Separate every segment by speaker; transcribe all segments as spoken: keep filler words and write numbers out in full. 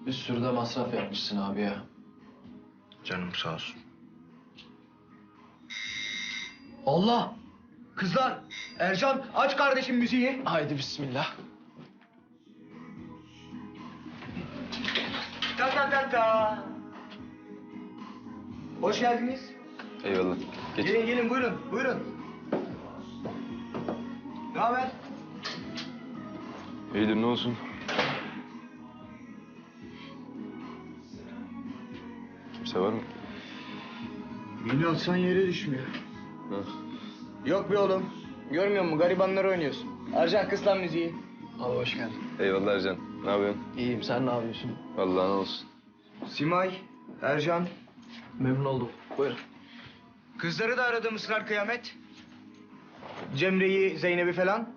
Speaker 1: Bir sürü de masraf yapmışsın abi ya.
Speaker 2: Canım sağ olsun.
Speaker 3: Allah! Kızlar, Ercan aç kardeşim müziği.
Speaker 1: Haydi bismillah.
Speaker 3: Ta ta ta ta. Hoş geldiniz.
Speaker 4: Eyvallah. Geç.
Speaker 3: Gelin gelin buyurun, buyurun. Ne haber?
Speaker 4: İyidir ne olsun? Kimse var mı?
Speaker 3: Beni atsan yere düşmüyor.
Speaker 4: Ha.
Speaker 3: Yok be oğlum. Görmüyor musun? Garibanlar oynuyorsun. Ercan kız lan müziği.
Speaker 1: Abi hoş geldin.
Speaker 4: Eyvallah Ercan. Ne yapıyorsun?
Speaker 1: İyiyim, sen ne yapıyorsun?
Speaker 4: Vallahi ne olsun.
Speaker 3: Simay, Ercan.
Speaker 1: Memnun oldum. Buyurun.
Speaker 3: Kızları da aradım ısrar kıyamet. Cemre'yi, Zeynep'i falan.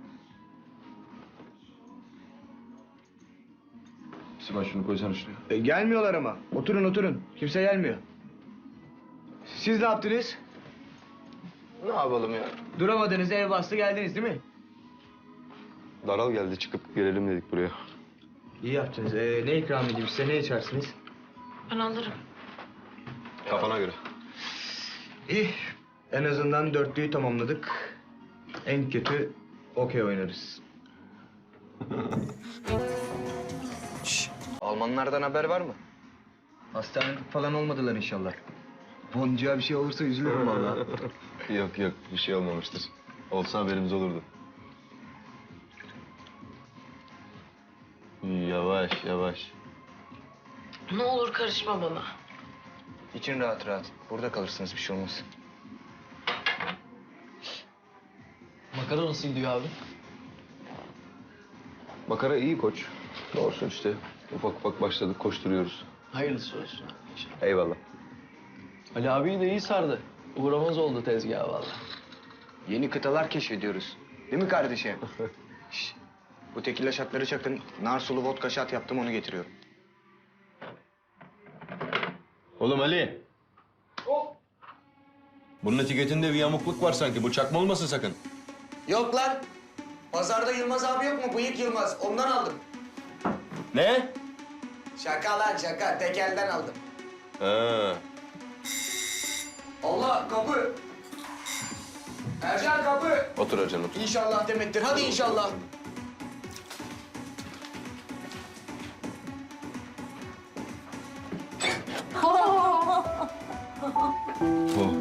Speaker 4: Sibel şunu koysana şuraya.
Speaker 3: E, gelmiyorlar ama. Oturun oturun. Kimse gelmiyor. Siz ne yaptınız?
Speaker 1: Ne yapalım ya?
Speaker 3: Duramadınız, ev bastı geldiniz değil mi?
Speaker 4: Daral geldi çıkıp gelelim dedik buraya.
Speaker 3: İyi yaptınız. Ee, ne ikram edeyim size? Ne içersiniz?
Speaker 5: Ben alırım.
Speaker 4: Kafana göre.
Speaker 3: İyi. En azından dörtlüyü tamamladık. En kötü okey oynarız. Şş, Almanlardan haber var mı? Hastanelik falan olmadılar inşallah. Boncuğa bir şey olursa üzülürüm vallahi.
Speaker 4: Yok yok bir şey olmamıştır. Olsa haberimiz olurdu. Yavaş yavaş.
Speaker 5: Ne olur karışma bana.
Speaker 3: İçin rahat rahat. Burada kalırsınız bir şey olmaz.
Speaker 1: Makara nasıl gidiyor abi?
Speaker 4: Makara iyi koç. Doğrusu işte. Ufak ufak başladık koşturuyoruz.
Speaker 1: Hayırlısı olsun abi inşallah.
Speaker 4: Eyvallah.
Speaker 1: Ali abiyi de iyi sardı. Uğramaz oldu tezgaha vallahi.
Speaker 3: Yeni kıtalar keşfediyoruz. Değil mi kardeşim? Şş, bu tekila şatları çakın. Nar sulu vodka şat yaptım onu getiriyorum.
Speaker 6: Oğlum Ali. Bunun etiketinde bir yamukluk var sanki. Bu çakma olmasın sakın.
Speaker 3: Yok lan. Pazarda Yılmaz abi yok mu? Bıyık Yılmaz. Ondan aldım.
Speaker 6: Ne?
Speaker 3: Şaka lan şaka. Tekelden aldım.
Speaker 6: Ha.
Speaker 3: Allah kapı. Ercan kapı.
Speaker 4: Otur Ercan otur.
Speaker 3: İnşallah demektir. Hadi inşallah.
Speaker 4: Oh.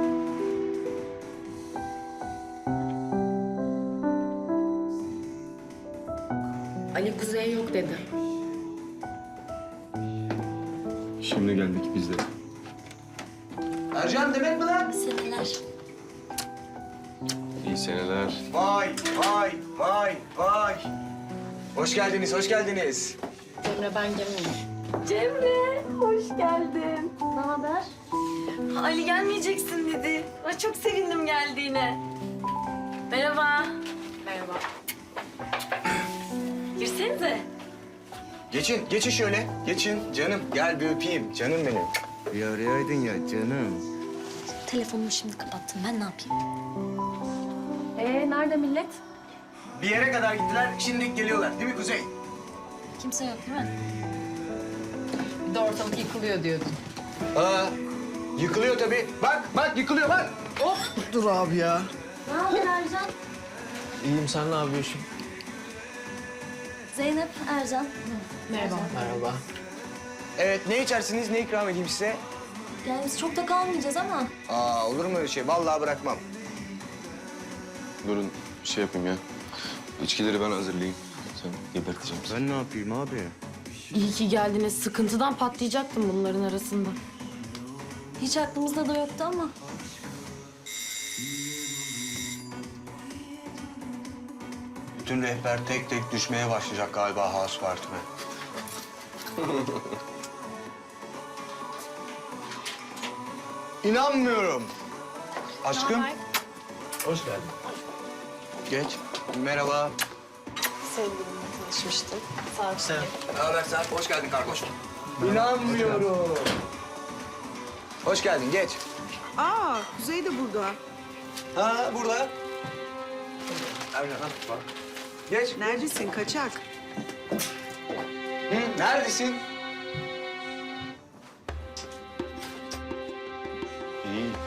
Speaker 5: Ali Kuzey yok dedi.
Speaker 4: Şimdi geldik biz de.
Speaker 3: Ercan demek mi lan?
Speaker 5: Seneler.
Speaker 4: İyi seneler.
Speaker 3: Vay vay vay vay. Hoş geldiniz, hoş geldiniz.
Speaker 5: Cemre ben gelmeyeyim. Cemre hoş geldin. Ne haber? Ali gelmeyeceksin dedi. Ay, çok sevindim geldiğine. Merhaba. Merhaba. Girsenize.
Speaker 3: Geçin, geçin şöyle. Geçin canım. Gel bir öpeyim. Canım benim. Bir arayaydın ya canım.
Speaker 7: Telefonumu şimdi kapattım. Ben ne yapayım?
Speaker 5: Ee nerede millet?
Speaker 3: Bir yere kadar gittiler, şimdi geliyorlar. Değil mi Kuzey?
Speaker 7: Kimse yok değil mi?
Speaker 5: Bir de ortalık yıkılıyor diyordun.
Speaker 3: Aa, yıkılıyor tabii. Bak, bak yıkılıyor bak. Hop. Dur abi ya.
Speaker 7: Ne haber Ercan?
Speaker 1: İyiyim, sen ne yapıyorsun?
Speaker 7: Zeynep, Ercan.
Speaker 5: Merhaba.
Speaker 1: Merhaba.
Speaker 3: Evet, ne içersiniz, ne ikram edeyim size?
Speaker 7: Yani biz çok da kalmayacağız ama.
Speaker 3: Aa, olur mu öyle şey? Vallahi bırakmam.
Speaker 4: Durun şey yapayım ya. İçkileri ben hazırlayayım. Sen geberteceğim seni.
Speaker 3: Ben ne yapayım abi?
Speaker 5: İyi ki geldiniz. Sıkıntıdan patlayacaktım bunların arasında.
Speaker 7: Hiç aklımızda da yoktu ama.
Speaker 3: Bütün rehber tek tek düşmeye başlayacak galiba House Party'me. İnanmıyorum. Aşkım.
Speaker 1: Hoş geldin.
Speaker 3: Geç. Merhaba.
Speaker 5: Sevgilimle tanışmıştım. Sağ ol.
Speaker 1: Sen.
Speaker 3: Ne haber sen? Hoş geldin kargoş. İnanmıyorum. Hoş geldin, geç.
Speaker 8: Aa, Kuzey de burada.
Speaker 3: Ha, burada. Ercan, al, bak. Geç.
Speaker 8: Neredesin kaçak?
Speaker 3: Hı, neredesin?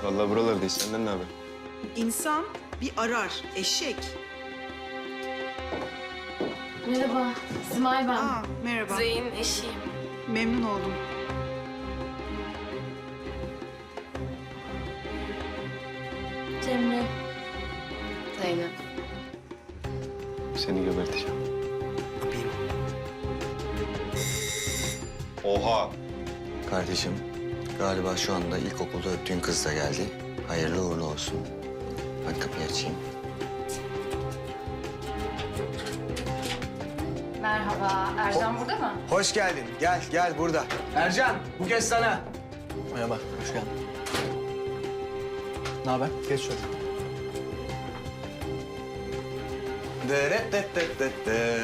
Speaker 4: Vallahi buralardayız. Senden ne haber?
Speaker 8: İnsan bir arar, eşek.
Speaker 5: Merhaba, Simay ben.
Speaker 8: Aa, merhaba.
Speaker 5: Zeyn'in eşiyim.
Speaker 8: Memnun oldum.
Speaker 7: Cemre.
Speaker 5: Zeynep.
Speaker 4: Seni geberteceğim. Oha!
Speaker 3: Kardeşim, galiba şu anda ilkokulda öptüğün kız da geldi. Hayırlı uğurlu olsun. Ben kapıyı açayım.
Speaker 9: Merhaba, Ercan burada mı?
Speaker 3: Hoş geldin. Gel, gel burada. Ercan, bu kez sana.
Speaker 1: Merhaba, hoş geldin. Ne haber? Geç şöyle.
Speaker 3: Deret det det det det.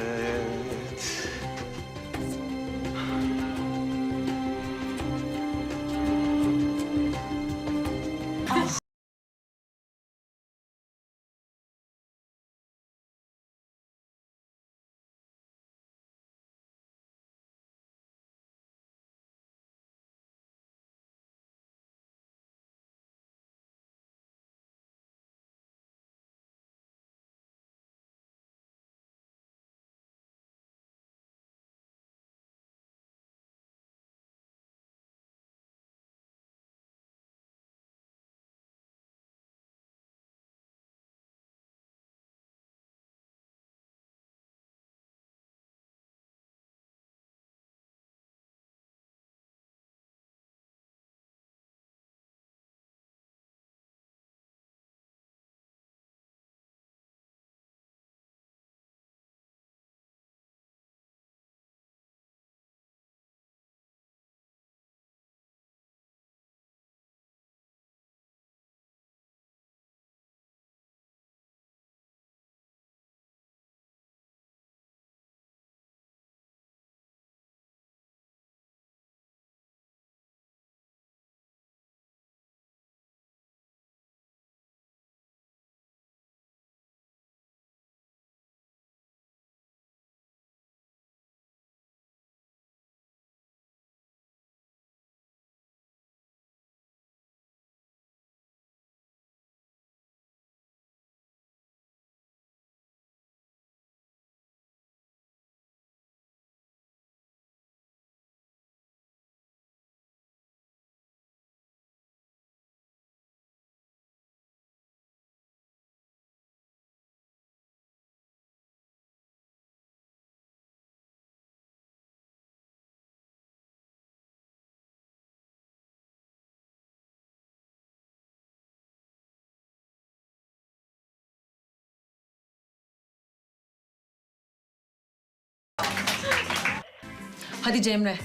Speaker 9: Hadi Cemre.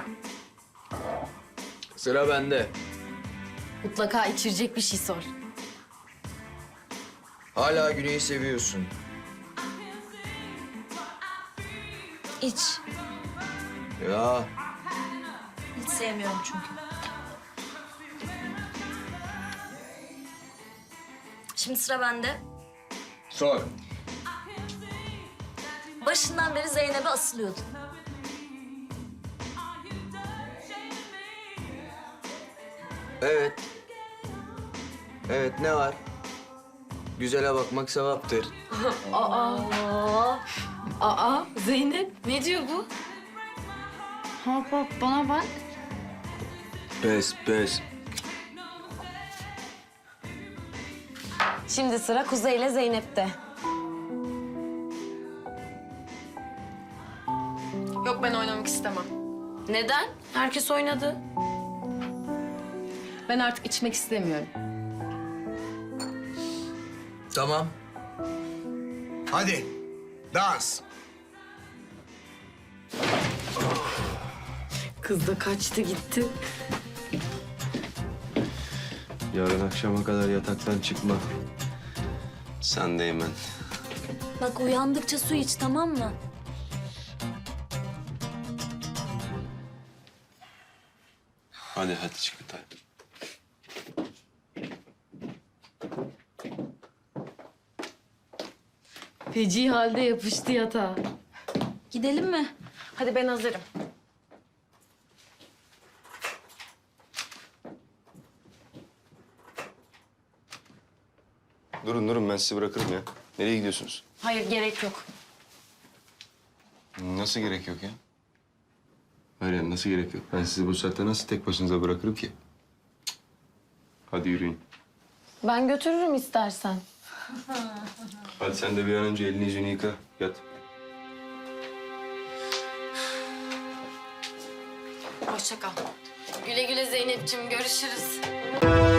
Speaker 1: Sıra bende.
Speaker 5: Mutlaka içirecek bir şey sor.
Speaker 3: Hala Güney'i seviyorsun.
Speaker 7: İç.
Speaker 3: Ya,
Speaker 7: Hiç sevmiyorum çünkü. Şimdi sıra bende.
Speaker 3: sor.
Speaker 7: Başından beri Zeynep'e asılıyordun.
Speaker 3: Evet. Evet, ne var? Güzele bakmak sevaptır.
Speaker 5: Aa, aa, Zeynep ne diyor bu?
Speaker 9: Hop hop bana bak.
Speaker 3: Pes, pes.
Speaker 5: Şimdi sıra Kuzey ile Zeynep'te.
Speaker 9: Yok ben oynamak istemem.
Speaker 5: Neden? Herkes oynadı.
Speaker 9: Ben artık içmek istemiyorum.
Speaker 3: Tamam. Hadi, dans.
Speaker 5: Kız da kaçtı gitti.
Speaker 4: Yarın akşama kadar yataktan çıkma. Sen de Eymen.
Speaker 7: Bak uyandıkça su iç, tamam mı?
Speaker 4: Hadi hadi çık bir tane.
Speaker 5: Feci halde yapıştı yatağa.
Speaker 7: Gidelim mi?
Speaker 5: Hadi ben hazırım.
Speaker 4: Durun durun ben sizi bırakırım ya. Nereye gidiyorsunuz?
Speaker 5: Hayır gerek yok.
Speaker 4: Nasıl gerek yok ya? Hayır nasıl gerek yok? Ben sizi bu saatte nasıl tek başınıza bırakırım ki? Cık. Hadi yürüyün.
Speaker 5: Ben götürürüm istersen.
Speaker 4: Hadi sen de bir an önce elini yüzünü yıka. Yat.
Speaker 5: Hoşça kal. Güle güle Zeynep'ciğim. Görüşürüz.